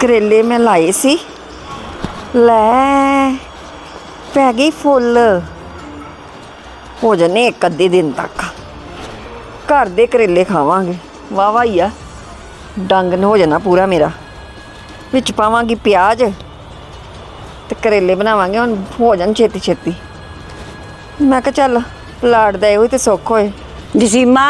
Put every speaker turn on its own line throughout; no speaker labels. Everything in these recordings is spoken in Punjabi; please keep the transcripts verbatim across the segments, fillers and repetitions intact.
करेले मैं लाए सी लै पै गई फुल हो जाने एक अद्धे दिन तक घर दे करेले खावांगे वाह वाह ही आ डंग हो जाना पूरा मेरा विच पावांगी प्याज ते करेले बनावांगे हुण हो जान छेती छेती मैं कहा चल लाड़ दे होई ते सुख होए
नी सीमा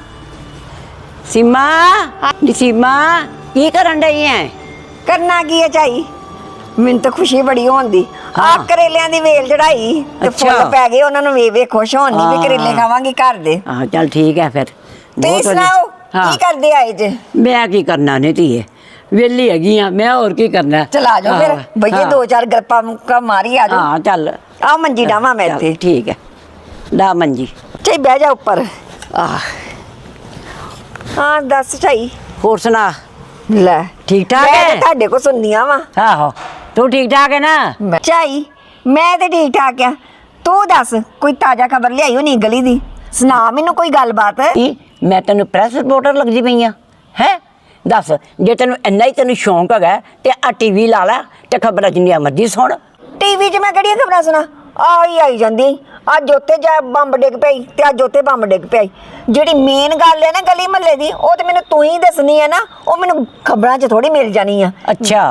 सीमा नी सीमा की करन डई है
करना की है चाई मैनूं तो खुशी बड़ी होंदी आ करेलियां दी वेल चढ़ाई ते फुल पै गए उन्हां नूं वे वे खुश होनी भी करेले खावांगी घर दे
हां चल ठीक है फिर
तुसीं सुणाओ की करदे आए जे
मैं की करना ने धीए वेली हैगी आ मैं और की करना
चल आ जाओ फिर भैया दो चार गप्पा मुक्का मारी आ जाओ
हां चल
आ मंजी डावां मैं इत्थे
ठीक है डा मंजी
चाई बह जा ऊपर आ हां दस चाई
होर सुना
ले
ठीक ठाक है
ਤੁਹਾਡੇ ਕੋ ਸੁਣਨੀਆਂ ਵਾ
आहो तू ठीक ठाक है ना
ਚਾਈ ਮੈਂ ਤੇ ਠੀਕ ਠਾਕ ਆ ਤੂੰ ਦੱਸ ਕੋਈ ਤਾਜ਼ਾ ਖਬਰ ਲਿਆਈ ਹੋਣੀ ਗਲੀ ਦੀ ਸੁਣਾ ਮੈਨੂੰ ਕੋਈ ਗੱਲਬਾਤ
ਕੀ ਮੈਂ ਤੈਨੂੰ ਪ੍ਰੈਸ ਰਿਪੋਰਟਰ ਲੱਗਦੀ ਪਈ ਆ ਹੈ ਦੱਸ ਜੇ ਤੈਨੂੰ ਇੰਨਾ ਹੀ ਤੈਨੂੰ ਸ਼ੌਂਕ ਹੈਗਾ ਤੇ ਆ ਟੀਵੀ ਲਾ ਲੈ ਤੇ ਖਬਰਾਂ ਜਿੰਨੀਆਂ ਮਰਜ਼ੀ ਸੁਣ
ਟੀਵੀ 'ਚ ਮੈਂ ਕਿਹੜੀਆਂ ਖਬਰਾਂ ਸੁਣਾ ਆਹੀ ਆਈ ਜਾਂਦੀ ਅੱਜ ਉੱਥੇ ਜਾ ਬੰਬ ਡਿੱਗ ਪਈ ਤੇ ਅੱਜ ਉੱਥੇ ਬੰਬ ਡਿੱਗ ਪਈ ਜਿਹੜੀ ਮੇਨ ਗੱਲ ਹੈ ਨਾ ਗਲੀ ਮਹੱਲੇ ਦੀ ਉਹ ਤੇ ਮੈਨੂੰ ਤੂੰ ਹੀ ਦੱਸਣੀ ਹੈ ਨਾ ਉਹ ਮੈਨੂੰ ਖਬਰਾਂ 'ਚ ਥੋੜੀ ਮਿਲ ਜਾਣੀ ਆ
ਅੱਛਾ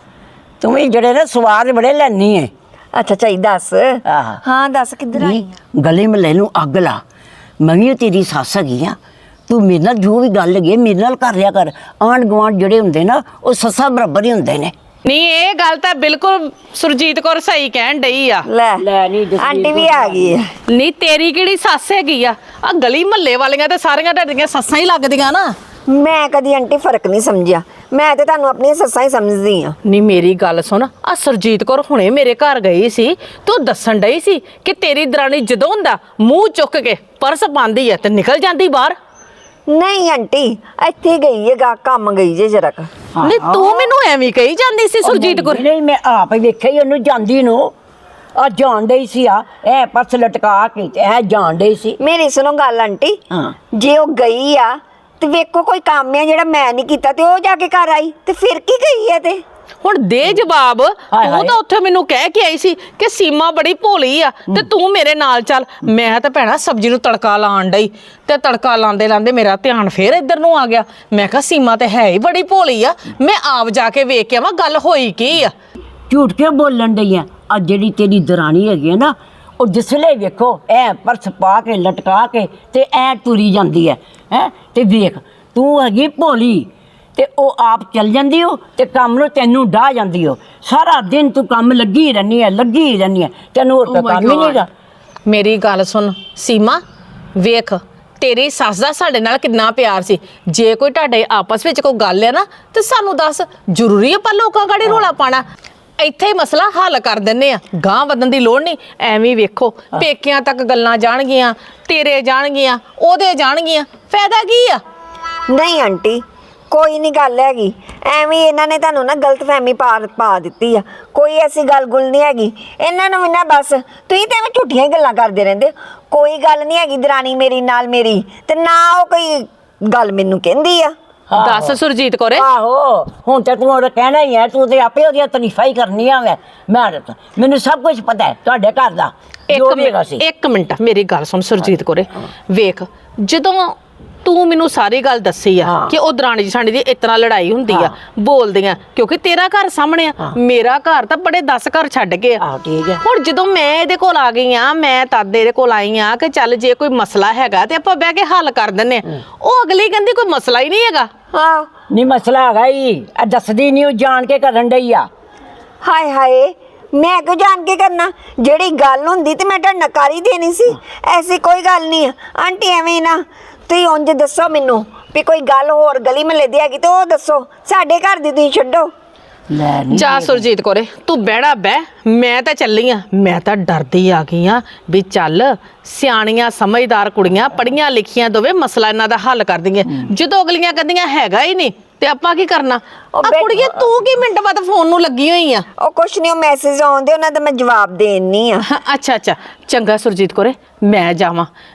ਤੂੰ ਵੀ ਜਿਹੜੇ ਨਾ ਸਵਾਦ ਬੜੇ ਲੈਣੀ ਹੈ
ਅੱਛਾ ਚਾਈ ਦੱਸ
ਆਹ
ਹਾਂ ਦੱਸ ਕਿੱਧਰ ਆਈ
ਗਲੀ ਮਹੱਲੇ ਨੂੰ ਅੱਗ ਲਾ ਮੈਂ ਵੀ ਤੇਰੀ ਸੱਸ ਹੈਗੀ ਆ ਤੂੰ ਮੇਰੇ ਨਾਲ ਜੋ ਵੀ ਗੱਲ ਹੈਗੀ ਮੇਰੇ ਨਾਲ ਕਰ ਲਿਆ ਕਰ ਆਂਢ ਗੁਆਂਢ ਜਿਹੜੇ ਹੁੰਦੇ ਨਾ ਉਹ ਸੱਸਾਂ ਬਰਾਬਰ ਹੀ ਹੁੰਦੇ ਨੇ
ਨਹੀਂ ਇਹ ਗੱਲ ਤਾਂ ਬਿਲਕੁਲ ਸੁਰਜੀਤ ਕੌਰ ਸਹੀ ਕਹਿਣ ਡਈ ਆ
ਲੈ
ਲੈ ਨਹੀਂ ਜਸਵੀਰ
ਆਂਟੀ ਵੀ ਆ ਗਈ ਹੈ
ਨਹੀਂ ਤੇਰੀ ਕਿਹੜੀ ਸੱਸ ਹੈਗੀ ਆ ਆ ਗਲੀ ਮਹੱਲੇ ਵਾਲੀਆਂ ਤੇ ਸਾਰੀਆਂ ਢੱਡੀਆਂ ਸੱਸਾਂ ਹੀ ਲੱਗਦੀਆਂ ਨਾ
ਮੈਂ ਕਦੀ ਆਂਟੀ ਫਰਕ ਨਹੀਂ ਸਮਝਿਆ ਮੈਂ ਤੇ ਤੁਹਾਨੂੰ ਆਪਣੀਆਂ ਸੱਸਾਂ ਹੀ ਸਮਝਦੀ ਆ
ਨਹੀਂ ਮੇਰੀ ਗੱਲ ਸੁਣ ਆ ਸੁਰਜੀਤ ਕੌਰ ਹੁਣੇ ਮੇਰੇ ਘਰ ਗਈ ਸੀ ਤੂੰ ਦੱਸਣ ਡਈ ਸੀ ਕਿ ਤੇਰੀ ਦਰਾਣੀ ਜਦੋਂ ਹੁੰਦਾ ਮੂੰਹ ਚੁੱਕ ਕੇ ਪਰਸ ਪਾਉਂਦੀ ਆ ਤੇ ਨਿਕਲ ਜਾਂਦੀ ਬਾਹਰ
ਨਹੀਂ ਆਂਟੀ ਇੱਥੇ ਗਈ ਹੈ ਗਾ ਕੰਮ ਗਈ ਜੇ ਜਰਾ
ਨਹੀਂ ਤੂੰ ਮੈਨੂੰ ਐਵੇਂ ਕਹੀ ਜਾਂਦੀ ਸੀ ਸੁਰਜੀਤ ਕੌਰ
ਨਹੀਂ ਮੈਂ ਆਪ ਹੀ ਵੇਖਿਆ ਹੀ ਉਹਨੂੰ ਜਾਂਦੀ ਨੂੰ ਆ ਜਾਣ ਡਈ ਸੀ ਆ ਇਹ ਪਰਸ ਲਟਕਾ ਕੇ ਤੇ ਇਹ ਜਾਣ ਡਈ ਸੀ
ਮੇਰੀ ਸੁਣੋ ਗੱਲ ਆਂਟੀ
ਹਾਂ
ਜੇ ਉਹ ਗਈ ਆ ਤੇ ਵੇਖੋ ਕੋਈ ਕੰਮ ਆ ਜਿਹੜਾ ਮੈਂ ਨਹੀਂ ਕੀਤਾ ਤੇ ਉਹ ਜਾ ਕੇ ਘਰ ਆਈ ਤੇ ਫਿਰ ਕੀ ਗਈ ਹੈ ਤੇ
ਹੁਣ ਦੇ ਜਵਾਬ ਤੂੰ ਤਾਂ ਉੱਥੇ ਮੈਨੂੰ ਕਹਿ ਕੇ ਆਈ ਸੀ ਕਿ ਸੀਮਾ ਬੜੀ ਭੋਲੀ ਆ ਤੇ ਤੂੰ ਮੇਰੇ ਨਾਲ ਚੱਲ ਮੈਂ ਤਾਂ ਭੈਣਾ ਸਬਜ਼ੀ ਨੂੰ ਤੜਕਾ ਲਾਣ ਡਈ ਤੇ ਤੜਕਾ ਲਾਉਂਦੇ ਲਾਉਂਦੇ ਮੇਰਾ ਧਿਆਨ ਫੇਰ ਇੱਧਰ ਨੂੰ ਆ ਗਿਆ ਮੈਂ ਕਿਹਾ ਸੀਮਾ ਤੇ ਹੈ ਹੀ ਬੜੀ ਭੋਲੀ ਆ ਮੈਂ ਆਪ ਜਾ ਕੇ ਵੇਖ ਕੇ ਆਵਾਂ ਗੱਲ ਹੋਈ ਕੀ ਆ
ਝੂਠ ਕੇ ਬੋਲਣ ਡਈ ਆ ਆ ਜਿਹੜੀ ਤੇਰੀ ਦਰਾਣੀ ਹੈਗੀ ਆ ਨਾ ਉਹ ਜਿਸਲੇ ਵੇਖੋ ਐ ਪਰਸ ਪਾ ਕੇ ਲਟਕਾ ਕੇ ਤੇ ਐ ਤੁਰੀ ਜਾਂਦੀ ਹੈ ਹੈ ਤੇ ਵੇਖ ਤੂੰ ਹੈਗੀ ਭੋਲੀ ਤੇ ਉਹ ਆਪ ਚੱਲ ਜਾਂਦੀ ਹੋ ਤੇ ਕੰਮ ਨੂੰ ਤੈਨੂੰ ਡਾਹ ਜਾਂਦੀ ਹੋ ਸਾਰਾ ਦਿਨ ਤੂੰ ਕੰਮ ਲੱਗੀ ਰਹਿੰਦੀ ਹੈ ਲੱਗੀ ਰਹਿੰਦੀ ਹੈ ਤੈਨੂੰ ਹੋਰ ਕੋਈ ਕੰਮ ਹੀ ਨਹੀਂਗਾ
ਮੇਰੀ ਗੱਲ ਸੁਣ ਸੀਮਾ ਵੇਖ ਤੇਰੀ ਸੱਸ ਦਾ ਸਾਡੇ ਨਾਲ ਕਿੰਨਾ ਪਿਆਰ ਸੀ ਜੇ ਕੋਈ ਤੁਹਾਡੇ ਆਪਸ ਵਿੱਚ ਕੋਈ ਗੱਲ ਹੈ ਨਾ ਤੇ ਸਾਨੂੰ ਦੱਸ ਜ਼ਰੂਰੀ ਆਪਾਂ ਲੋਕਾਂ ਗਾੜੀ ਰੋਲਾ ਪਾਣਾ ਇੱਥੇ ਹੀ ਮਸਲਾ ਹੱਲ ਕਰ ਦਿੰਨੇ ਆ ਗਾਂ ਵਧਣ ਦੀ ਲੋੜ ਨਹੀਂ ਐਵੇਂ ਵੇਖੋ ਪੇਕਿਆਂ ਤੱਕ ਗੱਲਾਂ ਜਾਣਗੀਆਂ ਤੇਰੇ ਜਾਣਗੀਆਂ ਉਹਦੇ ਜਾਣਗੀਆਂ ਫਾਇਦਾ ਕੀ ਆ
ਨਹੀਂ ਆਂਟੀ ਕੋਈ ਨਹੀਂ ਗੱਲ ਹੈਗੀ ਐਵੇਂ ਇਹਨਾਂ ਨੇ ਤੁਹਾਨੂੰ ਨਾ ਗਲਤਫਹਿਮੀ ਪਾ ਪਾ ਦਿੱਤੀ ਆ ਕੋਈ ਐਸੀ ਗੱਲ ਗੁੱਲ ਨਹੀਂ ਹੈਗੀ ਇਹਨਾਂ ਨੂੰ ਵੀ ਨਾ ਬਸ ਤੁਸੀਂ ਤੇ ਐਵੇਂ ਝੂਠੀਆਂ ਹੀ ਗੱਲਾਂ ਕਰਦੇ ਰਹਿੰਦੇ ਕੋਈ ਗੱਲ ਨਹੀਂ ਹੈਗੀ ਦਰਾਣੀ ਮੇਰੀ ਨਾਲ ਮੇਰੀ ਤੇ ਨਾ ਉਹ ਕੋਈ ਗੱਲ ਮੈਨੂੰ ਕਹਿੰਦੀ ਆ
ਦੱਸ ਸੁਰਜੀਤ ਕੌਰੇ
ਆਹੋ ਹੁਣ ਤੇ ਤੂੰ ਉਹ ਕਹਿਣਾ ਹੀ ਹੈ ਤੂੰ ਤੇ ਆਪੇ ਉਹਦੀਆਂ ਤਾਰੀਫਾਂ ਹੀ ਕਰਨੀਆਂ ਮੈਂ ਮੈਂ ਮੈਨੂੰ ਸਭ ਕੁਝ ਪਤਾ ਹੈ ਤੁਹਾਡੇ ਘਰ ਦਾ
ਇੱਕ ਮਿੰਟ ਇੱਕ ਮਿੰਟ ਮੇਰੀ ਗੱਲ ਸੁਣ ਸੁਰਜੀਤ ਕੌਰੇ ਵੇਖ ਜਦੋਂ ਤੂੰ ਮੈਨੂੰ ਸਾਰੀ ਗੱਲ ਦੱਸੀ ਆ ਕਿ ਉਹ ਦਰਾਣੀ ਜਠਾਣੀ ਦੀ ਇਤਨਾ ਲੜਾਈ ਹੁੰਦੀ ਆ ਬੋਲਦੀਆਂ ਕਿਉਂਕਿ ਤੇਰਾ ਘਰ ਸਾਹਮਣੇ ਆ ਮੇਰਾ ਘਰ ਤਾਂ ਬੜੇ ਦਸ ਘਰ ਛੱਡ ਕੇ ਆ
ਠੀਕ ਹੈ
ਹੁਣ ਜਦੋਂ ਮੈਂ ਇਹਦੇ ਕੋਲ ਆ ਗਈ ਆ ਮੈਂ ਤਦ ਇਹਦੇ ਕੋਲ ਆਈ ਆ ਕਿ ਚੱਲ ਜੇ ਕੋਈ ਮਸਲਾ ਹੈਗਾ ਤੇ ਆਪਾਂ ਬਹਿ ਕੇ ਹੱਲ ਕਰ ਦਿੰਨੇ ਆ ਉਹ ਅਗਲੀ ਕਹਿੰਦੀ ਕੋਈ ਮਸਲਾ ਹੀ ਨਹੀਂ ਹੈਗਾ
ਹਾਂ
ਨਹੀਂ ਮਸਲਾ ਹੈਗਾ ਹੀ ਦੱਸਦੀ ਨਹੀਂ ਉਹ ਜਾਣ ਕੇ ਕਰਨ ਡਈ ਆ
ਹਾਏ ਹਾਏ ਮੈਂ ਕਿਉਂ ਜਾਣ ਕੇ ਕਰਨਾ ਜਿਹੜੀ ਗੱਲ ਹੁੰਦੀ ਤੇ ਮੈਂ ਤੁਹਾਡੇ ਨਾਲ ਕਰ ਹੀ ਦੇਣੀ ਸੀ ਐਸੀ ਕੋਈ ਗੱਲ ਨਹੀਂ ਆਂਟੀ ਐਵੇਂ ਨਾ ਤੁਸੀਂ ਉਂਝ ਦੱਸੋ ਮੈਨੂੰ ਵੀ ਕੋਈ ਗੱਲ ਹੋਰ ਗਲੀ ਮਹੱਲੇ ਦੀ ਹੈਗੀ ਤੇ ਉਹ ਦੱਸੋ ਸਾਡੇ ਘਰ ਦੀ ਤੁਸੀਂ ਛੱਡੋ
ਲੈ ਨਹੀਂ
ਜਾ ਸੁਰਜੀਤ ਕੌਰੇ ਤੂੰ ਬਹਿਣਾ ਬਹਿ ਮੈਂ ਤਾਂ ਚੱਲੀ ਆ ਮੈਂ ਤਾਂ ਡਰਦੀ ਆ ਗਈ ਆ ਵੀ ਚੱਲ ਸਿਆਣੀਆਂ ਸਮਝਦਾਰ ਕੁੜੀਆਂ ਪੜੀਆਂ ਲਿਖੀਆਂ ਦੋਵੇਂ ਮਸਲਾ ਇਹਨਾਂ ਦਾ ਹੱਲ ਕਰ ਦਿੰਗੀਆਂ ਜਦੋਂ ਅਗਲੀਆਂ ਕਹਿੰਦੀਆਂ ਹੈਗਾ ਹੀ ਨਹੀਂ ਤੇ ਆਪਾਂ ਕੀ ਕਰਨਾ ਆ ਕੁੜੀਏ ਤੂੰ ਕੀ ਮਿੰਟ ਬਾਅਦ ਫੋਨ ਨੂੰ ਲੱਗੀ ਹੋਈ ਆ
ਉਹ ਕੁਛ ਨਹੀਂ ਉਹ ਮੈਸੇਜ ਆਉਂਦੇ ਉਹਨਾਂ ਦਾ ਮੈਂ ਜਵਾਬ ਦੇਣੀ ਆ
ਅੱਛਾ ਅੱਛਾ ਚੰਗਾ ਸੁਰਜੀਤ ਕੌਰੇ ਮੈਂ ਜਾਵਾਂ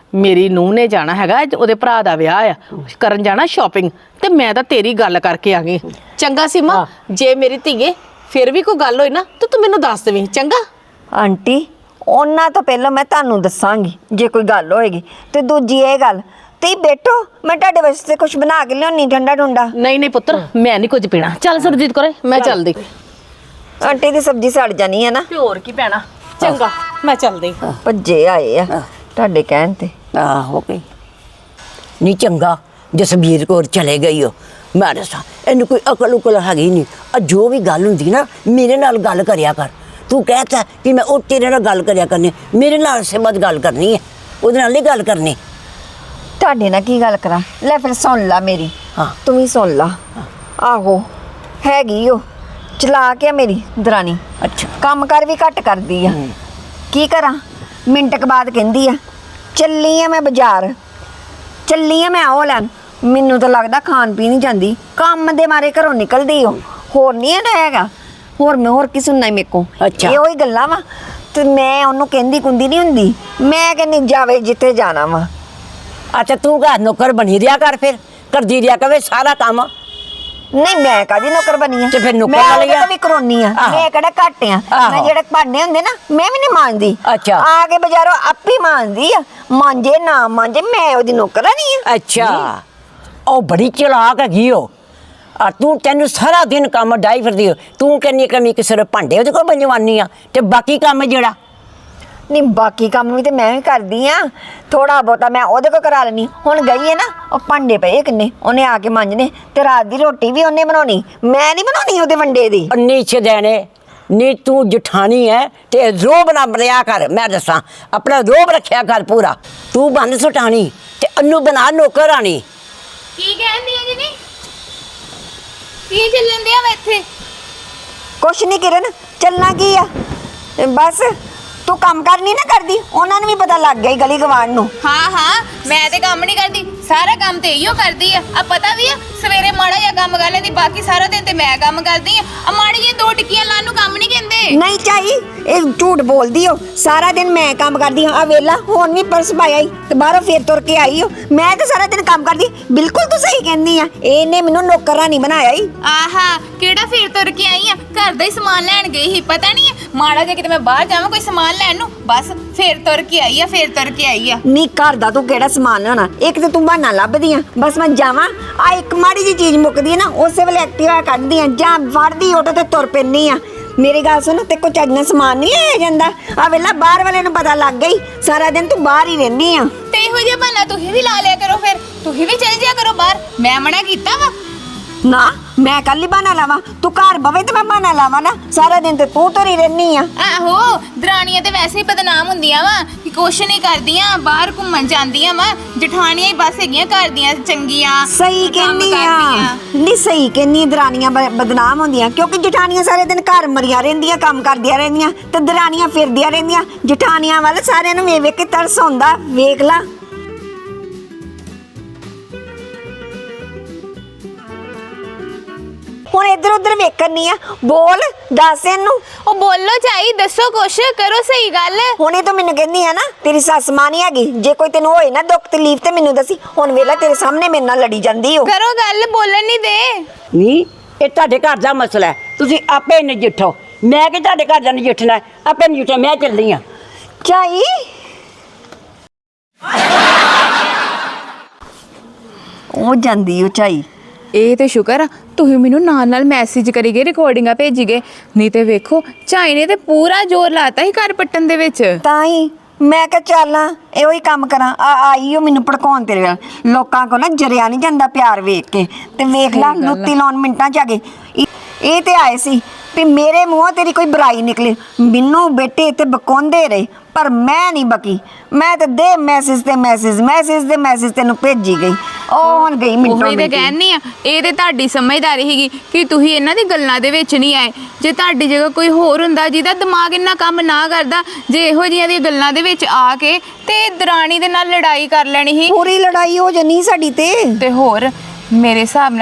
ਮੇਰੀ ਨੂੰਹ ਨੇ ਜਾਣਾ ਹੈਗਾ ਅੱਜ ਉਹਦੇ ਭਰਾ ਦਾ ਵਿਆਹ ਆ ਕਰਨ ਜਾਣਾ ਸ਼ਾਪਿੰਗ ਤੇ ਮੈਂ ਤਾਂ ਤੇਰੀ ਗੱਲ ਕਰਕੇ ਆ ਗਈ ਚੰਗਾ ਸੀਮਾ ਜੇ ਮੇਰੀ ਧੀਏ ਫਿਰ ਵੀ ਕੋਈ ਗੱਲ ਹੋਈ ਨਾ ਤਾਂ ਤੂੰ ਮੈਨੂੰ ਦੱਸ ਦੇਵੀਂ ਚੰਗਾ
ਆਂਟੀ ਉਹਨਾਂ ਤੋਂ ਪਹਿਲਾਂ ਮੈਂ ਤੁਹਾਨੂੰ ਦੱਸਾਂਗੀ ਜੇ ਕੋਈ ਗੱਲ ਹੋਏਗੀ ਤੇ ਦੂਜੀ ਇਹ ਗੱਲ ਤੇ ਬੈਠੋ ਮੈਂ ਤੁਹਾਡੇ ਵਾਸਤੇ ਕੁਝ ਬਣਾ ਕੇ ਲਿਆਉਣੀ ਠੰਡਾ ਠੰਡਾ।
ਨਹੀਂ ਨਹੀਂ ਪੁੱਤਰ ਮੈਂ ਨਹੀਂ ਕੁਝ ਪੀਣਾ ਚੱਲ ਸੁਰਜੀਤ ਕਰੇ ਮੈਂ ਚੱਲਦੀ
ਆਂਟੀ ਦੀ ਸਬਜ਼ੀ ਸੜ ਜਾਣੀ ਹੈ ਨਾ
ਤੇ ਹੋਰ ਕੀ ਪੈਣਾ ਚੰਗਾ ਮੈਂ ਚੱਲਦੀ
ਭੱਜੇ ਆਏ ਆ ਤੁਹਾਡੇ ਕਹਿਣ ਤੇ।
ਆਹੋ ਗਈ ਨਹੀਂ ਚੰਗਾ ਜਸਬੀਰ ਕੋਲ ਚਲੇ ਗਈ ਹੋ ਮੈਂ ਦੱਸਾਂ ਇਹਨੂੰ ਕੋਈ ਅਕਲ ਉਕਲ ਹੈਗੀ ਨਹੀਂ ਆ ਜੋ ਵੀ ਗੱਲ ਹੁੰਦੀ ਨਾ ਮੇਰੇ ਨਾਲ ਗੱਲ ਕਰਿਆ ਕਰ ਤੂੰ ਕਹਿਤਾ ਕਿ ਮੈਂ ਉਹ ਤੇਰੇ ਨਾਲ ਗੱਲ ਕਰਿਆ ਕਰਨੀ ਮੇਰੇ ਨਾਲ ਸਿਮਤ ਗੱਲ ਕਰਨੀ ਹੈ ਉਹਦੇ ਨਾਲ ਨਹੀਂ ਗੱਲ ਕਰਨੀ
ਤੁਹਾਡੇ ਨਾਲ ਕੀ ਗੱਲ ਕਰਾਂ ਲੈ ਫਿਰ ਸੁਣ ਲਾ ਮੇਰੀ
ਹਾਂ।
ਤੂੰ ਵੀ ਸੁਣ ਲਾ ਆਹੋ ਹੈਗੀ ਉਹ ਚਲਾ ਕੇ ਮੇਰੀ ਦਰਾਣੀ
ਅੱਛਾ
ਕੰਮ ਕਰ ਵੀ ਘੱਟ ਕਰਦੀ ਆ ਕੀ ਕਰਾਂ ਮਿੰਟ ਕੁ ਬਾਅਦ ਕਹਿੰਦੀ ਆ ਚੱਲੀ ਆ ਮੈਂ ਬਾਜ਼ਾਰ ਚੱਲੀ ਆ ਮੈਂ ਉਹ ਲੈਣ ਮੈਨੂੰ ਤਾਂ ਲੱਗਦਾ ਖਾਣ ਪੀਣ ਨਹੀਂ ਜਾਂਦੀ ਕੰਮ ਦੇ ਮਾਰੇ ਘਰੋਂ ਨਿਕਲਦੀ ਹੋ ਹੋਰ ਨਹੀਂ ਇਹਦਾ ਹੈਗਾ ਹੋਰ ਮੈਂ ਹੋਰ ਕੀ ਸੁਣਨਾ ਮੇਰੇ ਕੋ
ਅੱਛਾ।
ਇਹੋ ਹੀ ਗੱਲਾਂ ਵਾ ਤੇ ਮੈਂ ਉਹਨੂੰ ਕਹਿੰਦੀ ਕੁੰਦੀ ਨਹੀਂ ਹੁੰਦੀ ਮੈਂ ਕਹਿੰਦੀ ਜਾਵੇ ਜਿੱਥੇ ਜਾਣਾ ਵਾ।
ਅੱਛਾ ਤੂੰ ਘਰ ਨੌਕਰ ਬਣੀ ਰਿਆ ਕਰ ਫਿਰ ਕਰਦੀ ਰਿਆ ਕਵੇ ਸਾਰਾ ਕੰਮ
ਨਹੀਂ ਮੈਂ ਕਾਦੀ ਨੌਕਰ ਬਣੀ ਆ
ਤੇ ਫਿਰ ਨੌਕਰ
ਮੈਂ
ਵਾਲੀ
ਉਹਦੇ
ਆ?
ਤੋਂ ਵੀ ਕਰਾਉਣੀ ਆ
ਆਹੋ।
ਮੈਂ ਕਿਹੜਾ ਘੱਟ ਆ
ਆਹੋ।
ਮੈਂ ਜਿਹੜੇ ਭਾਂਡੇ ਹੁੰਦੇ ਨਾ ਮੈਂ ਵੀ ਨਹੀਂ ਮਾਂਜਦੀ
ਅੱਛਾ।
ਆ ਕੇ ਬਾਜ਼ਾਰੋਂ ਆਪੇ ਮਾਂਜਦੀ ਆ ਮਾਂਜੇ ਨਾ ਮਾਂਜੇ ਮੈਂ ਉਹਦੀ ਨੌਕਰ ਨਹੀਂ ਆ।
ਅੱਛਾ ਉਹ ਬੜੀ ਚਲਾਕ ਹੈਗੀ ਉਹ ਆ ਤੂੰ ਤੈਨੂੰ ਸਾਰਾ ਦਿਨ ਕੰਮ ਡਾਈ ਫਿਰਦੀ ਹੋ ਤੂੰ ਕਹਿੰਨੀ ਕਮੀ ਕਿਸੇ ਦੇ ਭਾਂਡੇ ਉਹਦੇ ਕੋਲ ਬੰਜਵਾਨੀ ਆ ਤੇ ਬਾਕੀ ਕੰਮ ਜਿਹੜਾ
ਨਹੀਂ ਬਾਕੀ ਕੰਮ ਵੀ ਤੇ ਮੈਂ ਵੀ ਕਰਦੀ ਆ ਥੋੜਾ ਬਹੁਤਾ ਮੈਂ ਉਹਦੇ ਕੋਲ ਕਰਾ ਲੈਣੀ ਹੁਣ ਗਈ ਹੈ ਨਾ ਉਹ ਭਾਂਡੇ ਪਏ ਕਿੰਨੇ ਉਹਨੇ ਆ ਕੇ ਮਾਂਜਣੇ ਤੇ ਰਾਤ ਦੀ ਰੋਟੀ ਵੀ ਉਹਨੇ ਬਣਾਉਣੀ ਮੈਂ ਨਹੀਂ ਬਣਾਉਣੀ ਉਹਦੇ ਵੰਡੇ ਦੀ
ਅੰਨੀ ਛਦੈਣੇ ਨੀ ਤੂੰ ਜਠਾਣੀ ਹੈ ਤੇ ਰੋਬ ਨਾ ਬਰਿਆ ਕਰ ਮੈਂ ਦੱਸਾਂ ਆਪਣਾ ਰੋਬ ਰੱਖਿਆ ਕਰ ਪੂਰਾ ਤੂੰ ਬੰਨ ਸੁਟਾਣੀ ਤੇ ਅੰਨੂ ਬਣਾ ਨੌਕਰ ਆਣੀ
ਕੀ ਕਹਿੰਦੀ ਹੈ ਜੀ ਕੀ ਚੱਲਣ ਦਿਆ ਵਾ ਇੱਥੇ
ਕੁਛ ਨਹੀਂ ਕਿਰਨ ਚੱਲਣਾ ਕੀ ਆ ਬਸ ਤੂੰ ਕੰਮ ਕਰ ਨਹੀਂ ਨਾ ਕਰਦੀ ਉਹਨਾਂ ਨੂੰ ਵੀ ਪਤਾ ਲੱਗ ਗਿਆ ਈ ਗਲੀ ਗਵਾਂਢ ਨੂੰ।
ਹਾਂ ਹਾਂ ਮੈਂ ਤੇ ਕੰਮ ਨਹੀਂ ਕਰਦੀ ਸਾਰਾ ਕੰਮ ਤੇ ਇਹੋ ਕਰਦੀ ਆ ਆ ਪਤਾ ਵੀ ਆ ਸਵੇਰੇ ਮਾੜਾ ਜਿਹਾ ਕੰਮ ਕਰ ਲੈਂਦੀ ਬਾਕੀ ਸਾਰਾ ਦਿਨ ਤੇ ਮੈਂ ਕੰਮ ਕਰਦੀ ਆ ਆ ਮਾੜੀ ਜਿਹੀ ਦੋ ਟਿੱਕੀਆਂ ਲਾਉਣ ਨੂੰ ਕੰਮ ਨਹੀਂ ਕਹਿੰਦੇ
ਨਹੀਂ ਚਾਹੀ ਇਹ ਝੂਠ ਬੋਲਦੀ ਹੋ ਸਾਰਾ ਦਿਨ ਮੈਂ ਕੰਮ ਕਰਦੀ ਹਾਂ ਆ ਵੇਲਾ ਹੁਣ ਵੀ ਪਰਸ ਪਾਇਆ ਈ ਤੇ ਬਾਹਰੋਂ ਫੇਰ ਤੁਰ ਕੇ ਆਈ ਹੋ ਮੈਂ ਤਾਂ ਸਾਰਾ ਦਿਨ ਕੰਮ ਕਰਦੀ ਬਿਲਕੁਲ ਤੂੰ ਸਹੀ ਕਹਿੰਦੀ ਆ ਇਹਨੇ ਮੈਨੂੰ ਨੌਕਰਾਂ ਨਹੀਂ ਬਣਾਇਆ ਈ।
ਆਹਾ ਕਿਹੜਾ ਫੇਰ ਤੁਰ ਕੇ ਆਈ ਆ ਘਰ ਦਾ ਹੀ ਸਮਾਨ ਲੈਣ ਗਈ ਸੀ ਪਤਾ ਨਹੀਂ ਮਾੜਾ ਜਿਹਾ ਕਿਤੇ ਮੈਂ ਬਾਹਰ ਜਾਵਾਂ ਕੋਈ ਸਮਾਨ ਲੈਣ ਨੂੰ ਬਸ ਫੇਰ ਤੁਰ ਕੇ ਆਈ ਆ ਫੇਰ ਤੁਰ ਕੇ ਆਈ ਆ
ਨੀ ਘਰ ਦਾ ਤੂੰ ਕਿਹੜਾ ਸਮਾਨ ਲੈਣਾ ਇੱਕ ਤੇ ਤੂੰ ਬਹਾਨਾ ਲੱਭਦੀ ਆ ਬਸ ਮੈਂ ਜਾਵਾਂ ਆ ਇੱਕ ਮਾੜੀ ਜੀ ਚੀਜ਼ ਮੁੱਕਦੀ ਹੈ ਨਾ ਉਸੇ ਵੇਲੇ ਐਕਟਿਵਾ ਕੱਢਦੀ ਆ ਜਾਂ ਫੜਦੀ ਆਟੋ ਤੇ ਤੁਰ ਪੈਂਦੀ ਆ ਮੇਰੀ ਗੱਲ ਸੁਣ ਤੇ ਕੋ ਚੱਜ ਨਾਲ ਸਮਾਨ ਨਹੀਂ ਲਿਆ ਜਾਂਦਾ ਆ ਵੇਲਾ ਬਾਹਰ ਵਾਲੇ ਨੂੰ ਪਤਾ ਲੱਗ ਗਈ ਸਾਰਾ ਦਿਨ ਤੂੰ ਬਾਹਰ ਹੀ ਰਹਿੰਦੀ ਆ
ਤੇ ਇਹੋ ਜਿਹਾ ਬਹਾਨਾ ਤੁਸੀਂ ਵੀ ਲਾ ਲਿਆ ਕਰੋ ਫਿਰ ਤੁਸੀਂ ਵੀ ਚੱਲ ਜਿਆ ਕਰੋ ਬਾਹਰ ਮੈਂ ਮਨਾ ਕੀਤਾ ਵਾ
ਨਾ ਮੈਂ ਕੱਲ ਹੀ ਬਹਾਨਾ ਲਾਵਾਂ ਤੂੰ ਘਰ ਬਵੇ ਤੇ ਮੈਂ ਬਹਾਨਾ ਲਾਵਾਂ ਨਾ ਸਾਰਾ ਦਿਨ ਤੇ ਤੂੰ ਤੁਰੀ ਰਹਿਨੀ ਆ
ਆਹੋ ਦਰਾਣੀਆਂ ਤੇ ਵੈਸੇ ਹੀ ਬਦਨਾਮ ਹੁੰਦੀਆਂ ਵਾ ਕਿ ਕੁਛ ਨਹੀਂ ਕਰਦੀਆਂ ਬਾਹਰ ਘੁੰਮਣ ਜਾਂਦੀਆਂ ਵਾ ਜਠਾਣੀਆਂ ਹੀ ਬਸ ਹੈਗੀਆਂ ਘਰ ਦੀਆਂ ਚੰਗੀਆਂ
ਸਹੀ
ਕੰਮ
ਕਹਿੰਨੀ ਆ
ਕਰਦੀਆਂ।
ਨਹੀਂ ਸਹੀ ਕਹਿੰਨੀ ਦਰਾਨੀਆਂ ਬ- ਬਦਨਾਮ ਹੁੰਦੀਆਂ ਕਿਉਂਕਿ ਜਠਾਣੀਆਂ ਸਾਰੇ ਦਿਨ ਘਰ ਮਰੀਆਂ ਰਹਿੰਦੀਆਂ ਕੰਮ ਕਰਦੀਆਂ ਰਹਿੰਦੀਆਂ ਤੇ ਦਰਾਨੀਆਂ ਫਿਰਦੀਆਂ ਰਹਿੰਦੀਆਂ ਜਠਾਣੀਆਂ ਵੱਲ ਸਾਰਿਆਂ ਨੂੰ ਵੇਖ ਵੇਖ ਕੇ ਤਰਸ ਹੁੰਦਾ ਵੇਖ ਲਾ ਹੁਣ ਇੱਧਰ ਉੱਧਰ ਵੇਖਣ ਨਹੀਂ ਆ ਬੋਲ ਦੱਸ ਇਹਨੂੰ
ਉਹ ਬੋਲੋ ਚਾਈ ਦੱਸੋ ਕੁਛ ਕਰੋ ਸਹੀ ਗੱਲ
ਹੁਣੇ ਤਾਂ ਮੈਨੂੰ ਕਹਿੰਦੀ ਆ ਨਾ ਤੇਰੀ ਸੱਸ ਮਾਂ ਨਹੀਂ ਹੈਗੀ ਜੇ ਕੋਈ ਤੈਨੂੰ ਹੋਏ ਨਾ ਦੁੱਖ ਤਕਲੀਫ ਤੇ ਮੈਨੂੰ ਦੱਸੀ ਹੁਣ ਵੇਲਾ ਤੇਰੇ ਸਾਹਮਣੇ ਮੇਰੇ ਨਾਲ ਲੜੀ ਜਾਂਦੀ ਹੋ
ਕਰੋ ਗੱਲ ਬੋਲਣ ਨਹੀਂ ਦੇ
ਨਹੀਂ ਇਹ ਤੁਹਾਡੇ ਘਰ ਦਾ ਮਸਲਾ ਹੈ ਤੁਸੀਂ ਆਪੇ ਨਜਿੱਠੋ ਮੈਂ ਕਿ ਤੁਹਾਡੇ ਘਰ ਦਾ ਨਜਿੱਠਣਾ ਹੈ, ਆਪੇ ਨਜਿੱਠੋ ਮੈਂ ਚੱਲਦੀ ਆ
ਚਾਈ ਉਹ ਜਾਂਦੀ ਉਹ ਚਾਈ
ਇਹ ਤੇ ਸ਼ੁਕਰ ਆ ਤੁਸੀਂ ਮੈਨੂੰ ਨਾਲ ਨਾਲ ਮੈਸੇਜ ਕਰੀ ਗਏ ਰਿਕਾਰਡਿੰਗਾਂ ਭੇਜੀ ਗਏ ਨਹੀਂ ਤੇ ਵੇਖੋ ਝਾਈ ਨੇ ਤੇ ਪੂਰਾ ਜ਼ੋਰ ਲਾਤਾ ਸੀ ਘਰ ਪੱਟਣ ਦੇ ਵਿੱਚ
ਤਾਂ ਹੀ ਮੈਂ ਕਿਹਾ ਚੱਲਾਂ ਇਹੋ ਹੀ ਕੰਮ ਕਰਾਂ ਆ ਆਈ ਉਹ ਮੈਨੂੰ ਭੜਕਾਉਣ ਤੇਰੇ ਨਾਲ ਲੋਕਾਂ ਕੋ ਨਾ ਜਰਿਆ ਨਹੀਂ ਜਾਂਦਾ ਪਿਆਰ ਵੇਖ ਕੇ ਤੇ ਵੇਖ ਲਾ ਲੁੱਤੀ ਲਾਉਣ ਮਿੰਟਾਂ ਚ ਆ ਗਏ ਇਹ- ਇਹ ਤੇ ਆਏ ਸੀ ਵੀ ਮੇਰੇ ਮੂੰਹੋਂ ਤੇਰੀ ਕੋਈ ਬੁਰਾਈ ਨਿਕਲੇ ਮੈਨੂੰ ਬੇਟੇ ਤੇ ਬਕਾਉਂਦੇ ਰਹੇ ਪਰ ਮੈਂ ਨਹੀਂ ਬਕੀ ਮੈਂ ਤੇ ਦੇ ਮੈਸੇਜ ਤੇ ਮੈਸੇਜ ਮੈਸੇਜ ਤੇ ਮੈਸੇਜ ਤੈਨੂੰ ਭੇਜੀ ਗਈ ਉਹ ਹੁਣ ਗਈ ਮਿੰਟੋ
ਉਹੀ ਤੇ ਕਹਿਣੀ ਆ ਇਹ ਤੇ ਤੁਹਾਡੀ ਸਮਝਦਾਰੀ ਸੀਗੀ ਕਿ ਤੁਸੀਂ ਇਹਨਾਂ ਦੀ ਗੱਲਾਂ ਦੇ ਵਿੱਚ ਨਹੀਂ ਆਏ ਜੇ ਤੁਹਾਡੀ ਜਗ੍ਹਾ ਕੋਈ ਹੋਰ ਹੁੰਦਾ ਜਿਹਦਾ ਦਿਮਾਗ ਇੰਨਾ ਕੰਮ ਨਾ ਕਰਦਾ ਜੇ ਇਹੋ ਜਿਹੀਆਂ ਦੀਆਂ ਗੱਲਾਂ ਦੇ ਵਿੱਚ ਆ ਕੇ ਤੇ ਦਰਾਣੀ ਦੇ ਨਾਲ ਲੜਾਈ ਕਰ ਲੈਣੀ ਸੀ
ਪੂਰੀ ਲੜਾਈ ਹੋ ਜਣੀ ਸਾਡੀ ਤੇ
ਤੇ ਹੋਰ ਮੇਰੇ ਹਿਸਾਬ ਨਾਲ ਨਾ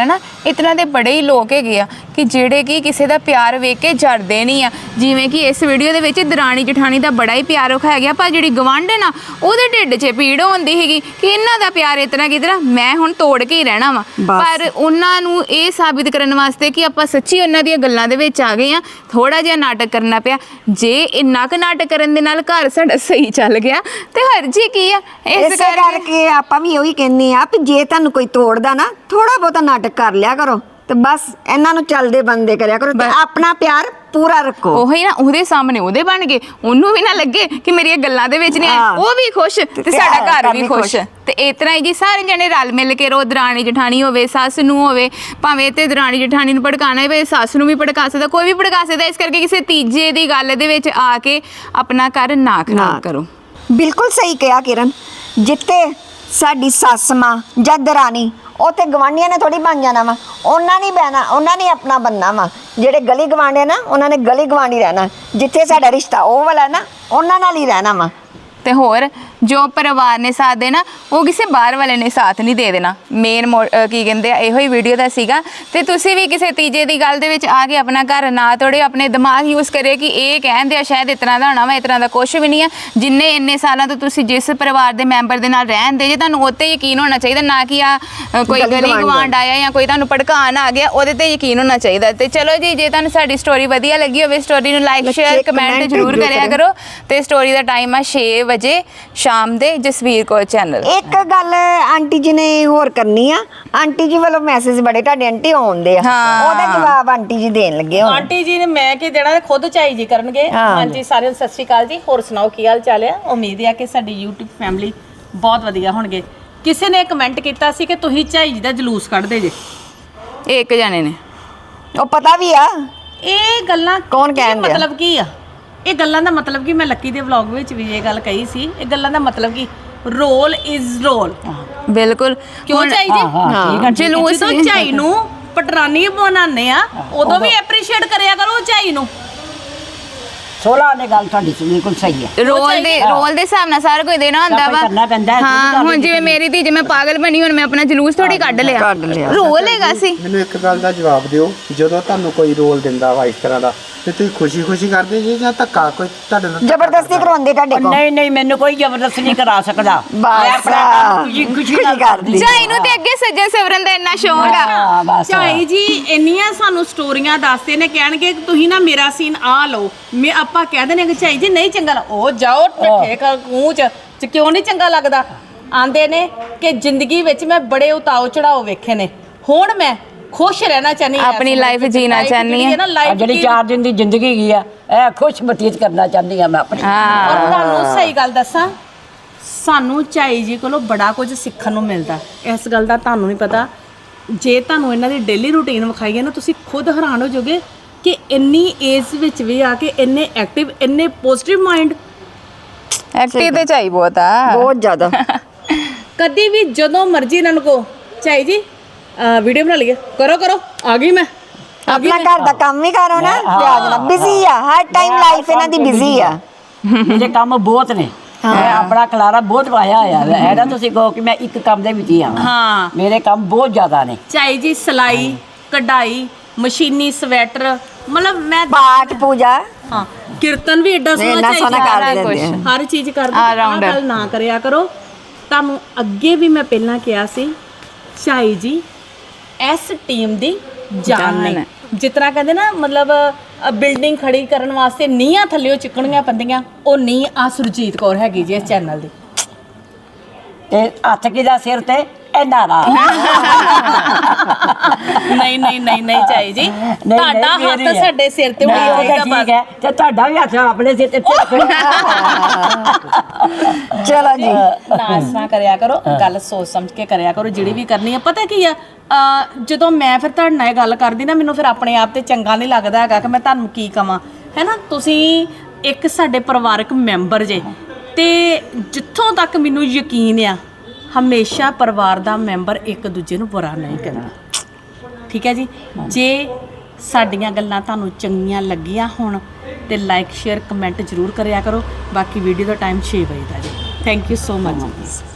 ਇਤਨਾ ਦੇ ਬੜੇ ਹੀ ਲੋਕ ਹੈਗੇ ਆ ਕਿ ਜਿਹੜੇ ਕਿ ਕਿਸੇ ਦਾ ਪਿਆਰ ਵੇਖ ਕੇ ਜਰਦੇ ਨਹੀਂ ਆ। ਜਿਵੇਂ ਕਿ ਇਸ ਵੀਡੀਓ ਦੇ ਵਿੱਚ ਦਰਾਣੀ ਜਠਾਣੀ ਦਾ ਬੜਾ ਹੀ ਪਿਆਰ ਵਿਖਾਇਆ ਗਿਆ, ਪਰ ਜਿਹੜੀ ਗਵਾਂਢਣ ਆ ਉਹਦੇ ਢਿੱਡ 'ਚ ਪੀੜ ਹੁੰਦੀ ਹੈਗੀ ਕਿ ਇਹਨਾਂ ਦਾ ਪਿਆਰ ਇਤਨਾ ਕਿਤਨਾ ਮੈਂ ਹੁਣ ਤੋੜ ਕੇ ਹੀ ਰਹਿਣਾ ਵਾ। ਪਰ ਉਹਨਾਂ ਨੂੰ ਇਹ ਸਾਬਿਤ ਕਰਨ ਵਾਸਤੇ ਕਿ ਆਪਾਂ ਸੱਚੀ ਉਹਨਾਂ ਦੀਆਂ ਗੱਲਾਂ ਦੇ ਵਿੱਚ ਆ ਗਏ ਆ, ਥੋੜਾ ਜਿਹਾ ਨਾਟਕ ਕਰਨਾ ਪਿਆ। ਜੇ ਇੰਨਾ ਕੁ ਨਾਟਕ ਕਰਨ ਦੇ ਨਾਲ ਘਰ ਸਾਡਾ ਸਹੀ ਚੱਲ ਗਿਆ ਤੇ ਹਰਜੀ ਕੀ ਆ। ਇਸ
ਇਸੇ ਕਰਕੇ ਆਪਾਂ ਵੀ ਉਹੀ ਕਹਿੰਦੇ ਆ ਵੀ ਜੇ ਤੁਹਾਨੂੰ ਕੋਈ ਤੋੜਦਾ ਨਾ ਥੋੜਾ ਬਹੁਤਾ ਨਾਟਕ ਕਰ ਲਿਆ ਕਰੋ ਤੇ ਬਸ ਇਹਨਾਂ ਨੂੰ ਚੱਲਦੇ ਬੰਦੇ ਕਰਿਆ ਕਰੋ ਤੇ ਆਪਣਾ ਪਿਆਰ ਪੂਰਾ ਰੱਖੋ।
ਉਹੀ ਨਾ, ਉਹਦੇ ਸਾਹਮਣੇ ਉਹਦੇ ਬਣ ਗਏ, ਉਹਨੂੰ ਵੀ ਨਾ ਲੱਗੇ ਕਿ ਮੇਰੀਆਂ ਗੱਲਾਂ ਦੇ ਵਿੱਚ ਨਹੀਂ ਆਏ, ਉਹ ਵੀ ਖੁਸ਼ ਤੇ ਸਾਡਾ ਘਰ ਵੀ ਖੁਸ਼। ਤੇ ਇਤਨਾ ਹੀ ਜੀ ਸਾਰੇ ਜਣੇ ਰਲ ਮਿਲ ਕੇ ਰੋ, ਦਰਾਣੀ ਜਠਾਣੀ ਹੋਵੇ, ਸੱਸ ਨੂੰ ਹੋਵੇ, ਭਾਵੇਂ ਤੇ ਦਰਾਣੀ ਜਠਾਣੀ ਨੂੰ ਭੜਕਾਣਾ ਹੋਵੇ, ਸੱਸ ਨੂੰ ਵੀ ਭੜਕਾ ਸਕਦਾ, ਕੋਈ ਵੀ ਭੜਕਾ ਸਕਦਾ। ਇਸ ਕਰਕੇ ਕਿਸੇ ਤੀਜੇ ਦੀ ਗੱਲ ਦੇ ਵਿੱਚ ਆ ਕੇ ਆਪਣਾ ਘਰ ਨਾ ਖਰਾਬ ਕਰੋ।
ਬਿਲਕੁਲ ਸਹੀ ਕਿਹਾ ਕਿਰਨ। ਜਿੱਥੇ ਸਾਡੀ ਸੱਸ ਮਾਂ ਜਾਂ ਦਰਾਣੀ ਉੱਥੇ ਗਵਾਂਢੀਆਂ ਨੇ ਥੋੜੀ ਬਣ ਜਾਣਾ ਵਾ, ਉਹਨਾਂ ਨਹੀਂ ਬਹਿਣਾ, ਉਹਨਾਂ ਨੇ ਆਪਣਾ ਬੰਨਾ ਵਾ। ਜਿਹੜੇ ਗਲੀ ਗਵਾਂਢੀ ਨਾ ਉਹਨਾਂ ਨੇ ਗਲੀ ਗਵਾਂਢੀ ਰਹਿਣਾ, ਜਿੱਥੇ ਸਾਡਾ ਰਿਸ਼ਤਾ ਉਹ ਵਾਲਾ ਨਾ ਉਹਨਾਂ ਨਾਲ ਹੀ ਰਹਿਣਾ ਵਾ।
ਤੇ ਹੋਰ ਜੋ ਪਰਿਵਾਰ ਨੇ ਸਾਥ ਦੇਣਾ ਉਹ ਕਿਸੇ ਬਾਹਰ ਵਾਲੇ ਨੇ ਸਾਥ ਨਹੀਂ ਦੇ ਦੇਣਾ। ਮੇਨ ਕੀ ਕਹਿੰਦੇ ਆ ਇਹੋ ਹੀ ਵੀਡੀਓ ਦਾ ਸੀਗਾ। ਤੇ ਤੁਸੀਂ ਵੀ ਕਿਸੇ ਤੀਜੇ ਦੀ ਗੱਲ ਦੇ ਵਿੱਚ ਆ ਕੇ ਆਪਣਾ ਘਰ ਨਾ ਤੋੜਿਓ, ਆਪਣੇ ਦਿਮਾਗ ਯੂਜ਼ ਕਰਿਓ ਕਿ ਇਹ ਕਹਿੰਦੇ ਆ ਸ਼ਾਇਦ ਇਤਨਾ ਦਾ ਹੋਣਾ ਵਾ, ਇਤਨਾ ਦਾ ਕੁਝ ਵੀ ਨਹੀਂ ਆ। ਜਿੰਨੇ ਇੰਨੇ ਸਾਲਾਂ ਤੋਂ ਤੁਸੀਂ ਜਿਸ ਪਰਿਵਾਰ ਦੇ ਮੈਂਬਰ ਦੇ ਨਾਲ ਰਹਿੰਦੇ ਜੇ ਤੁਹਾਨੂੰ ਉੱਤੇ ਯਕੀਨ ਹੋਣਾ ਚਾਹੀਦਾ, ਨਾ ਕਿ ਆ ਕੋਈ ਗਲੀ ਗਵਾਂਢ ਆਇਆ ਜਾਂ ਕੋਈ ਤੁਹਾਨੂੰ ਭੜਕਾਉਣ ਆ ਗਿਆ ਉਹਦੇ ਤੇ ਯਕੀਨ ਹੋਣਾ ਚਾਹੀਦਾ। ਤੇ ਚਲੋ ਜੀ, ਜੇ ਤੁਹਾਨੂੰ ਸਾਡੀ ਸਟੋਰੀ ਵਧੀਆ ਲੱਗੀ ਹੋਵੇ ਸਟੋਰੀ ਨੂੰ ਲਾਈਕ ਸ਼ੇਅਰ ਕਮੈਂਟ ਜ਼ਰੂਰ ਕਰਿਆ ਕਰੋ। ਤੇ ਸਟੋਰੀ ਦਾ ਟਾਈਮ ਆ ਛੇ ਵਜੇ ਸ਼ਾਮ ਦੇ ਜਸਵੀਰ ਕੌਰ ਚੈਨਲ।
ਇੱਕ ਗੱਲ ਆਂਟੀ ਜੀ ਨੇ ਹੋਰ ਕਰਨੀ ਆ, ਆਂਟੀ ਜੀ ਵੱਲੋਂ ਮੈਸੇਜ ਬੜੇ ਤੁਹਾਡੇ ਆਂਟੀ ਆਉਂਦੇ ਆ, ਉਹਦਾ ਜਵਾਬ ਆਂਟੀ ਜੀ ਦੇਣ ਲੱਗੇ ਹੁਣ।
ਆਂਟੀ ਜੀ ਨੇ ਮੈਂ ਕੀ ਦੇਣਾ, ਖੁਦ ਝਾਈ ਜੀ ਕਰਨਗੇ। ਹਾਂਜੀ ਸਾਰਿਆਂ ਨੂੰ ਸਤਿ ਸ਼੍ਰੀ ਅਕਾਲ ਜੀ, ਹੋਰ ਸੁਣਾਓ ਕੀ ਹਾਲ ਚਾਲ ਆ। ਉਮੀਦ ਹੈ ਕਿ ਸਾਡੀ YouTube ਫੈਮਿਲੀ ਬਹੁਤ ਵਧੀਆ ਹੋਣਗੇ। ਕਿਸੇ ਨੇ ਕਮੈਂਟ ਕੀਤਾ ਸੀ ਕਿ ਤੁਸੀਂ ਝਾਈ ਜੀ ਦਾ ਜਲੂਸ ਕੱਢਦੇ ਜੇ।
ਇੱਕ ਜਾਣੇ ਨੇ,
ਉਹ ਪਤਾ ਵੀ ਆ
ਇਹ ਗੱਲਾਂ
ਕੌਣ ਕਹਿੰਦੇ ਆ?
ਮਤਲਬ ਕੀ ਆ ਇਹ ਗੱਲਾਂ ਦਾ ਮਤਲਬ ਕੀ? ਮੈਂ ਲੱਕੀ ਦੇ ਵਲੌਗ ਵਿੱਚ ਵੀ ਇਹ ਗੱਲ ਕਹੀ ਸੀ। ਇਹ ਗੱਲਾਂ ਦਾ ਮਤਲਬ ਕੀ? Role is role.
ਬਿਲਕੁਲ।
ਕਿਉਂ ਝਾਈ ਜੀ?
ਜਲੂਸ
ਜਦੋਂ ਝਾਈ ਨੂੰ ਪਟਰਾਨੀ ਬਣਾਉਂਦੇ ਆ ਉਦੋਂ ਵੀ ਐਪਰੀਸ਼ੀਏਟ ਕਰਿਆ ਕਰੋ ਝਾਈ ਨੂੰ।
ਸੋਲਾ ਨੇ ਗੱਲ ਤੁਹਾਡੀ ਬਿਲਕੁਲ ਸਹੀ ਹੈ।
ਰੋਲ ਦੇ ਰੋਲ ਦੇ ਹਿਸਾਬ ਨਾਲ ਸਾਰਾ ਕੁਝ ਦੇਣਾ ਹੁੰਦਾ ਵਾ। ਹਾਂ, ਹੁਣ ਜਿਵੇਂ ਮੇਰੀ ਧੀ ਜੇ ਮੈਂ ਪਾਗਲ ਬਣੀ ਹੁਣ ਮੈਂ ਆਪਣਾ ਜਲੂਸ ਥੋੜੀ ਕੱਢ ਲਿਆ, ਰੋਲ ਹੈਗਾ ਸੀ।
ਮੈਨੂੰ ਇੱਕ ਗੱਲ ਦਾ ਜਵਾਬ ਦਿਓ, ਜਦੋਂ ਤੁਹਾਨੂੰ ਕੋਈ ਰੋਲ ਦਿੰਦਾ ਵਾ ਇਸ ਤਰ੍ਹਾਂ ਦਾ ਤੇ ਤੁਸੀਂ ਖੁਸ਼ੀ ਖੁਸ਼ੀ ਕਰਦੇ ਜੀ ਜਾਂ ਧੱਕਾ ਕੋਈ ਤੁਹਾਡੇ ਨਾਲ
ਜ਼ਬਰਦਸਤੀ ਕਰਵਾਉਂਦੇ ਤੁਹਾਡੇ ਕੋਲ?
ਨਹੀਂ ਨਹੀਂ, ਮੈਨੂੰ ਕੋਈ ਜ਼ਬਰਦਸਤੀ ਨਹੀਂ ਕਰਾ ਸਕਦਾ।
ਬਸ
ਖੁਸ਼ੀ ਖੁਸ਼ੀ ਕਰਦੀ।
ਝਾਈ ਨੂੰ ਤੇ ਅੱਗੇ ਸੱਜਣ ਸਿਮਰਨ ਦਾ ਇੰਨਾ ਸ਼ੌਂਕ ਆ।
ਹਾਂ ਬਸ।
ਝਾਈ ਜੀ ਇੰਨੀਆਂ ਸਾਨੂੰ ਸਟੋਰੀਆਂ ਦੱਸਦੇ ਨੇ, ਕਹਿਣਗੇ ਕਿ ਤੁਸੀਂ ਨਾ ਮੇਰਾ ਸੀਨ ਆ ਲਓ, ਮੈਂ ਆਪਾਂ ਕਹਿ ਦਿੰਦੇ ਕਿ ਝਾਈ ਜੀ ਨਹੀਂ ਚੰਗਾ, ਉਹ ਜਾਓ ਠੱਠੇ ਕਰ ਕੂਚ ਚ ਕਿਉਂ ਨਹੀਂ ਚੰਗਾ ਲੱਗਦਾ। ਆਂਦੇ ਨੇ ਕਿ ਜ਼ਿੰਦਗੀ ਵਿੱਚ ਮੈਂ ਬੜੇ ਉਤਾਓ ਚੜਾਓ ਵੇਖੇ ਨੇ, ਹੁਣ ਮੈਂ ਖੁਸ਼ ਰਹਿਣਾ ਚਾਹਨੀ ਹਾਂ,
ਆਪਣੀ ਲਾਈਫ ਜੀਣਾ ਚਾਹਨੀ ਹਾਂ।
ਜਿਹੜੀ ਚਾਰ ਦਿਨ ਦੀ ਜ਼ਿੰਦਗੀ ਗਈ ਆ ਇਹ ਖੁਸ਼ ਬਤੀਤ ਕਰਨਾ ਚਾਹੁੰਦੀ ਆ ਮੈਂ ਆਪਣੀ।
ਔਰ ਤੁਹਾਨੂੰ ਸਹੀ ਗੱਲ ਦੱਸਾਂ, ਸਾਨੂੰ ਝਾਈ ਜੀ ਕੋਲੋਂ ਬੜਾ ਕੁਝ ਸਿੱਖਣ ਨੂੰ ਮਿਲਦਾ। ਇਸ ਗੱਲ ਦਾ ਤੁਹਾਨੂੰ ਨਹੀਂ ਪਤਾ, ਜੇ ਤੁਹਾਨੂੰ ਇਹਨਾਂ ਦੀ ਡੇਲੀ ਰੂਟੀਨ ਵਿਖਾਈਏ ਨਾ ਤੁਸੀਂ ਖੁਦ ਹੈਰਾਨ ਹੋ ਜਾਓਗੇ ਕਿ ਇੰਨੀ ਏਜ ਵਿੱਚ ਵੀ ਆ ਕੇ ਇੰਨੇ ਐਕਟਿਵ, ਇੰਨੇ ਪੋਜ਼ਿਟਿਵ ਮਾਈਂਡ।
ਐਕਟਿਵ ਤੇ ਝਾਈ ਬਹੁਤ ਆ,
ਬਹੁਤ ਜ਼ਿਆਦਾ।
ਕਦੀ ਵੀ ਜਦੋਂ ਮਰਜ਼ੀ ਇਹਨਾਂ ਨੂੰ ਕਹੋ ਝਾਈ ਜੀ ਵੀਡੀਓ ਬਣਾ ਲਈਏ, ਕਰੋ ਕਰੋ ਆ ਗਈ ਮੈਂ।
ਆਪਣਾ ਘਰ ਦਾ ਕੰਮ ਵੀ ਕਰੋ ਨਾ, ਪਿਆਜ ਨਾਲ ਬਿਜ਼ੀ ਆ ਹਰ ਟਾਈਮ, ਲਾਈਫ ਇਹਨਾਂ ਦੀ ਬਿਜ਼ੀ ਆ।
ਮੇਰੇ ਕੰਮ ਬਹੁਤ ਨੇ, ਮੈਂ ਆਪਣਾ ਖਲਾਰਾ ਬਹੁਤ ਪਾਇਆ ਹੋਇਆ ਹੈ ਨਾ। ਤੁਸੀਂ ਕਹੋ ਕਿ ਮੈਂ ਇੱਕ ਕੰਮ ਦੇ ਵਿੱਚ ਹੀ ਆਵਾਂ,
ਹਾਂ
ਮੇਰੇ ਕੰਮ ਬਹੁਤ ਜ਼ਿਆਦਾ ਨੇ।
ਝਾਈ ਜੀ ਸਿਲਾਈ, ਕਢਾਈ, ਮਸ਼ੀਨੀ ਸਵੈਟਰ, ਮਤਲਬ ਮੈਂ
ਪਾਠ ਪੂਜਾ,
ਹਾਂ ਕੀਰਤਨ ਵੀ ਐਡਾ ਸੋਹਣਾ
ਇੰਨਾ
ਝਾਈ
ਸੋਹਣਾ
ਜੀ
ਕਰ
ਸਾਰਾ
ਦਿੰਦੇ
ਕੁਛ,
ਆ।
ਹਰ ਚੀਜ਼ ਕਰਦੇ। ਆਹ ਗੱਲ ਨਾ ਕਰਿਆ ਕਰੋ। ਤੁਹਾਨੂੰ ਅੱਗੇ ਵੀ ਮੈਂ ਪਹਿਲਾਂ ਕਿਹਾ ਸੀ ਝਾਈ ਜੀ ਇਸ ਟੀਮ ਦੀ ਜਾਨ ਨੇ। ਜਿਸ ਤਰ੍ਹਾਂ ਕਹਿੰਦੇ ਨਾ, ਮਤਲਬ ਬਿਲਡਿੰਗ ਖੜੀ ਕਰਨ ਵਾਸਤੇ ਨੀਹਾਂ ਥੱਲਿਓ ਚਿੱਕਣੀਆਂ ਪੈਂਦੀਆਂ, ਉਹ ਨੀਂਹ ਆ ਸੁਰਜੀਤ ਕੌਰ ਹੈਗੀ ਜੀ ਇਸ ਚੈਨਲ ਦੀ।
ਤੇ ਹੱਥ ਕਿਹਦਾ ਸਿਰ ਤੇ ਇਹਨਾਂ ਦਾ।
ਨਹੀਂ ਨਹੀਂ ਨਹੀਂ ਨਹੀਂ ਝਾਈ ਜੀ, ਤੁਹਾਡਾ ਹੱਥ ਸਾਡੇ ਸਿਰ ਤੇ ਹੋਣਾ ਚਾਹੀਦਾ
ਠੀਕ ਹੈ, ਤੇ ਤੁਹਾਡਾ ਵੀ ਹੱਥ ਆਪਣੇ ਸਿਰ ਤੇ।
ਚਲੋ ਜੀ,
ਨਾ ਇਸ ਤਰ੍ਹਾਂ ਕਰਿਆ ਕਰੋ, ਗੱਲ ਸੋਚ ਸਮਝ ਕੇ ਕਰਿਆ ਕਰੋ ਜਿਹੜੀ ਵੀ ਕਰਨੀ ਹੈ। ਪਤਾ ਕੀ ਆ, ਜਦੋਂ ਮੈਂ ਫਿਰ ਤੁਹਾਡੇ ਨਾਲ ਇਹ ਗੱਲ ਕਰਦੀ ਨਾ, ਮੈਨੂੰ ਫਿਰ ਆਪਣੇ ਆਪ ਤੇ ਚੰਗਾ ਨਹੀਂ ਲੱਗਦਾ ਹੈਗਾ ਕਿ ਮੈਂ ਤੁਹਾਨੂੰ ਕੀ ਕਵਾਂ, ਹੈ ਨਾ। ਤੁਸੀਂ ਇੱਕ ਸਾਡੇ ਪਰਿਵਾਰਕ ਮੈਂਬਰ ਜੇ, ਤੇ ਜਿੱਥੋਂ ਤੱਕ ਮੈਨੂੰ ਯਕੀਨ ਆ ਹਮੇਸ਼ਾ ਪਰਿਵਾਰ ਦਾ ਮੈਂਬਰ ਇੱਕ ਦੂਜੇ ਨੂੰ ਬੁਰਾ ਨਹੀਂ ਕਰਦਾ, ਠੀਕ ਹੈ ਜੀ। ਜੇ ਸਾਡੀਆਂ ਗੱਲਾਂ ਤੁਹਾਨੂੰ ਚੰਗੀਆਂ ਲੱਗੀਆਂ ਹੋਣ ਤੇ ਲਾਈਕ ਸ਼ੇਅਰ ਕਮੈਂਟ ਜ਼ਰੂਰ ਕਰਿਆ ਕਰੋ। ਬਾਕੀ ਵੀਡੀਓ ਦਾ ਟਾਈਮ ਛੇ ਵਜੇ ਦਾ ਜੀ। Thank you so much.